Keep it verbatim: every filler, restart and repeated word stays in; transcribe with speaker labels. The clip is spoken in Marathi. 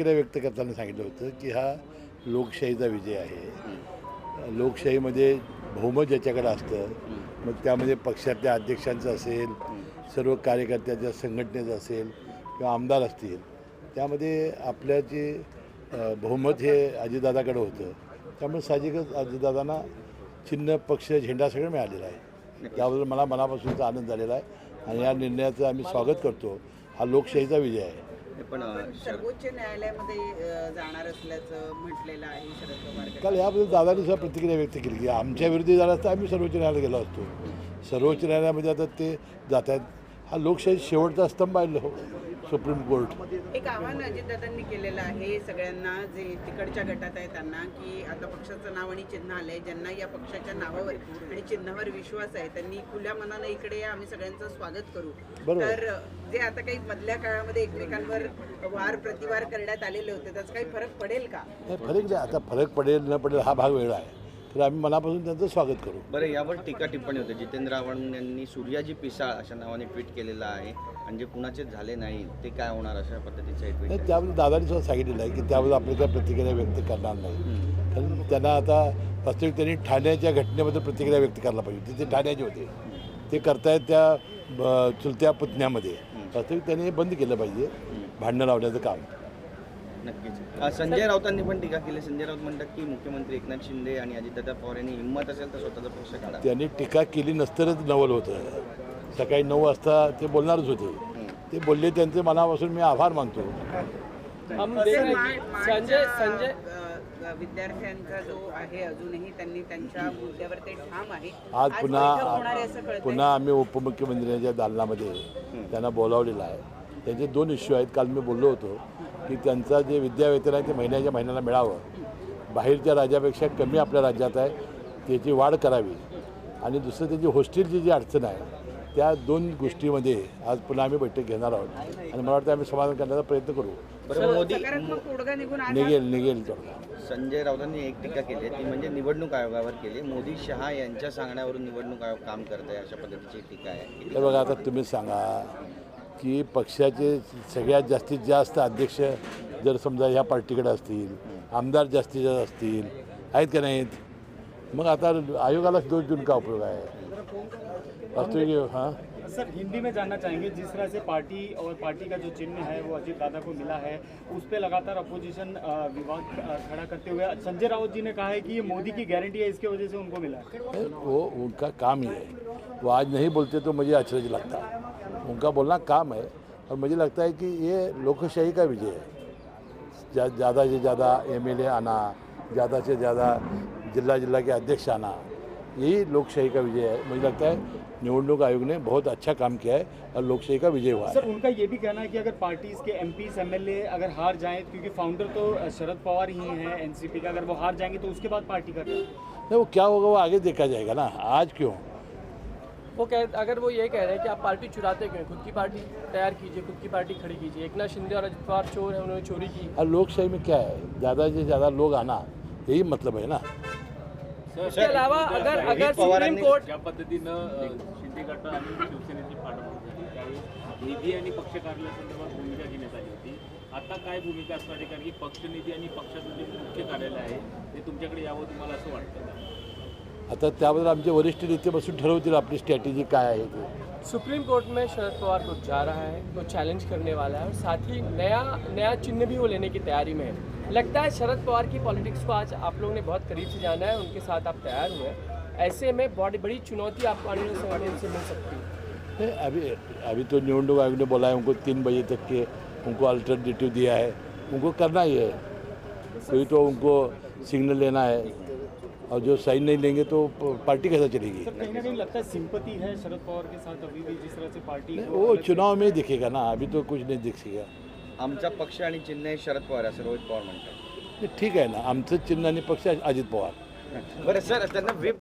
Speaker 1: प्रतिक्रिया व्यक्त करताना सांगितलं होतं की हा लोकशाहीचा विजय आहे. लोकशाहीमध्ये बहुमत ज्याच्याकडे असतं, मग त्यामध्ये पक्षातल्या अध्यक्षांचं असेल, सर्व कार्यकर्त्याच्या संघटनेचं असेल किंवा आमदार असतील, त्यामध्ये आपल्या जे बहुमत हे अजितदादाकडे होतं. त्यामुळे साहजिकच अजितदादांना चिन्ह, पक्ष, झेंडा सगळं मिळालेलं आहे. त्याबद्दल मला मनापासूनचा आनंद झालेला आहे आणि या निर्णयाचं आम्ही स्वागत करतो. हा लोकशाहीचा विजय आहे.
Speaker 2: पण सर्वोच्च न्यायालयामध्ये जाणार असल्याचं म्हटलेलं आहे शरद पवार.
Speaker 1: काल याबद्दल दादांनी सुद्धा प्रतिक्रिया व्यक्त केली की आमच्या विरोधी झाला असता आम्ही सर्वोच्च न्यायालयात गेलो असतो. सर्वोच्च न्यायालयामध्ये आता ते जात आहेत. हा लोकशाही शेवटचा स्तंभ आहे हो सुप्रीम कोर्ट.
Speaker 2: एक आव्हान अजितदादांनी केलेलं आहे सगळ्यांना जे तिकडच्या गटात आहे त्यांना, की आता पक्षाचं नाव आणि चिन्ह आलंय. ज्यांना या पक्षाच्या नावावर आणि चिन्हावर विश्वास आहे त्यांनी खुल्या मनानं इकडे या, आम्ही सगळ्यांचं स्वागत करू. तर जे आता काही मधल्या काळामध्ये एकमेकांवर वार प्रतिवार करण्यात आलेले होते त्याचा काही फरक पडेल का?
Speaker 1: फरक नाही. आता फरक पडेल न पडेल हा भाग वेगळा आहे. तर आम्ही मनापासून त्यांचं स्वागत करू.
Speaker 3: बरं, यावर टीका टिप्पणी होते. जितेंद्र आव्हाड यांनी सूर्याजी पिसाळ अशा नावाने ट्विट केलेलं आहे आणि जे कुणाचे झाले नाही ते काय होणार अशा पद्धतीचं एक ट्विट.
Speaker 1: त्याबद्दल दादांनी सुद्धा सांगितलेलं आहे की त्याबद्दल आपली काय प्रतिक्रिया व्यक्त करणार नाही. कारण त्यांना आता वास्तविक त्यांनी ठाण्याच्या घटनेबद्दल प्रतिक्रिया व्यक्त करायला पाहिजे. तिथे ठाण्याचे होते, ते करतायत त्या चुलत्या पुतण्यामध्ये. वास्तविक त्यांनी हे बंद केलं पाहिजे भांडणं लावण्याचं काम.
Speaker 3: नक्कीच. संजय राऊतांनी पण टीका केली. संजय राऊत म्हणतात की मुख्यमंत्री एकनाथ शिंदे आणि अजितदादा पवार यांनी हिंमत असेल तर स्वतःचा पक्ष काढा.
Speaker 1: त्यांनी टीका केली नसतंच नवल होतं. सकाळी नऊ वाजता ते बोलणारच होते. ते बोलले, त्यांचे मनापासून मी आभार मानतो.
Speaker 2: संजय संजय विद्यार्थ्यांचा जो आहे अजूनही त्यांनी त्यांच्या मुद्द्यावर ते ठाम आहे.
Speaker 1: आज पुन्हा पुन्हा आम्ही उपमुख्यमंत्र्यांच्या दालनामध्ये त्यांना बोलावलेलं आहे. त्यांचे दोन इश्यू आहेत. काल मी बोललो होतो की त्यांचा जे विद्यावेतन आहे ते महिन्याच्या महिन्याला मिळावं. बाहेरच्या राज्यापेक्षा कमी आपल्या राज्यात आहे, त्याची वाढ करावी. आणि दुसरं त्याची हॉस्टेलची जी अडचण आहे त्या दोन गोष्टीमध्ये आज पुन्हा आम्ही बैठक घेणार आहोत आणि मला वाटतं आम्ही समाधान करण्याचा प्रयत्न करू.
Speaker 3: मोदी
Speaker 1: निघेल निघेल तोडगा.
Speaker 3: संजय राऊतांनी एक टीका केली ती म्हणजे निवडणूक आयोगावर केली. मोदी शहा यांच्या सांगण्यावरून निवडणूक आयोग काम करत आहे अशा पद्धतीची टीका आहे.
Speaker 1: हे बघा, आता तुम्ही सांगा की पक्षाचे सगळ्यात जास्तीत जास्त अध्यक्ष जर समजा ह्या पार्टीकडे असतील, आमदार जास्तीत जास्त असतील, आहेत का नाहीत, मग आता आयोगालाच दोष देऊन का उपयोग आहे? वास्तविक हाँ
Speaker 4: सर, हिंदी में जानना चाहेंगे, जिस तरह से पार्टी और पार्टी का जो चिन्ह है वो अजीत दादा को मिला है, उस पर लगातार अपोजिशन विवाद खड़ा करते हुए संजय राउत जी ने कहा है कि ये मोदी की गारंटी है, इसके वजह से उनको मिला है.
Speaker 1: वो उनका काम ही है. वो आज नहीं बोलते तो मुझे अचरज लगता. उनका बोलना काम है और मुझे लगता है कि ये लोकशाही का विजय है. ज़्यादा से ज़्यादा एम एल ए आना, ज़्यादा से ज़्यादा जिला जिला के अध्यक्ष आना, यही लोकशाही का विजय है. मुझे लगता है निवडणूक आयोग ने बहुत अच्छा काम किया है और लोकशाही का विजय हुआ है.
Speaker 4: सर, उनका ये भी कहना है कि अगर पार्टीज के एमपी एमएलए अगर हार जाएं, क्योंकि फाउंडर तो शरद पवार ही हैं एनसीपी का, अगर वो हार जाएंगे तो उसके बाद पार्टी का
Speaker 1: नहीं, वो क्या होगा वो आगे देखा जाएगा ना. आज क्यों?
Speaker 5: वो कह अगर वो ये कह रहे हैं कि आप पार्टी चुराते क्यों, खुद की पार्टी तैयार कीजिए, खुद की पार्टी खड़ी कीजिए. एकनाथ शिंदे और अजित पवार चोर हैं, उन्होंने चोरी की.
Speaker 1: और लोकशाही में क्या है, ज़्यादा से ज़्यादा लोग आना, यही मतलब है ना.
Speaker 5: इसके अलावा अगर अगर सुप्रीम कोर्ट
Speaker 6: ज्या पद्धतीनं शिंदे गट आणि शिवसेनेची फाटाफूट झाली त्यावेळी निधी आणि पक्ष कार्यालयासंदर्भात भूमिका घेण्यात आली होती. आता काय भूमिका असणार आहे? कारण की पक्षनिधी आणि पक्षाचं जे मुख्य कार्यालय आहे ते तुमच्याकडे यावं तुम्हाला असं वाटतं?
Speaker 1: आता त्याबद्दल आमचे वरिष्ठ नेते बसून ठरवतील आपली स्ट्रॅटेजी काय आहे ते.
Speaker 5: सुप्रीम कोर्ट में शरद पवार को जा रहा है, वो चैलेंज करने वाला है और साथ ही नया नया चिन्ह भी वो लेने की तैयारी में है. लगता है शरद पवार की पॉलिटिक्स को आज आप लोगों ने बहुत करीब से जाना है, उनके साथ आप तैयार हुए. ऐसे में बहुत बड़ी चुनौती आपको आने वाले समय से मिल सकती है.
Speaker 1: नहीं, अभी अभी तो निवडणूक आयोग ने बोला है उनको तीन बजे तक के उनको अल्टरनेटिव दिया है. उनको करना ही है. कोई तो उनको सिग्नल लेना है और जो साइन नहीं लेंगे तो पार्टी कैसा चलेगी?
Speaker 4: सर, कहीं ना कहीं लगता है सिंपति है शरद पवार के साथ अभी भी, जिस तरह से पार्टी
Speaker 1: वो चुनाव में दिखेगा ना. अभी तो कुछ नहीं दिखेगा.
Speaker 3: आमचा पक्ष आणि चिन्ह हे शरद पवार असं रोहित पवार म्हणतात.
Speaker 1: ठीक आहे ना. आमचं चिन्ह आणि पक्ष अजित पवार.
Speaker 3: बरं सर, त्यांना व्हीप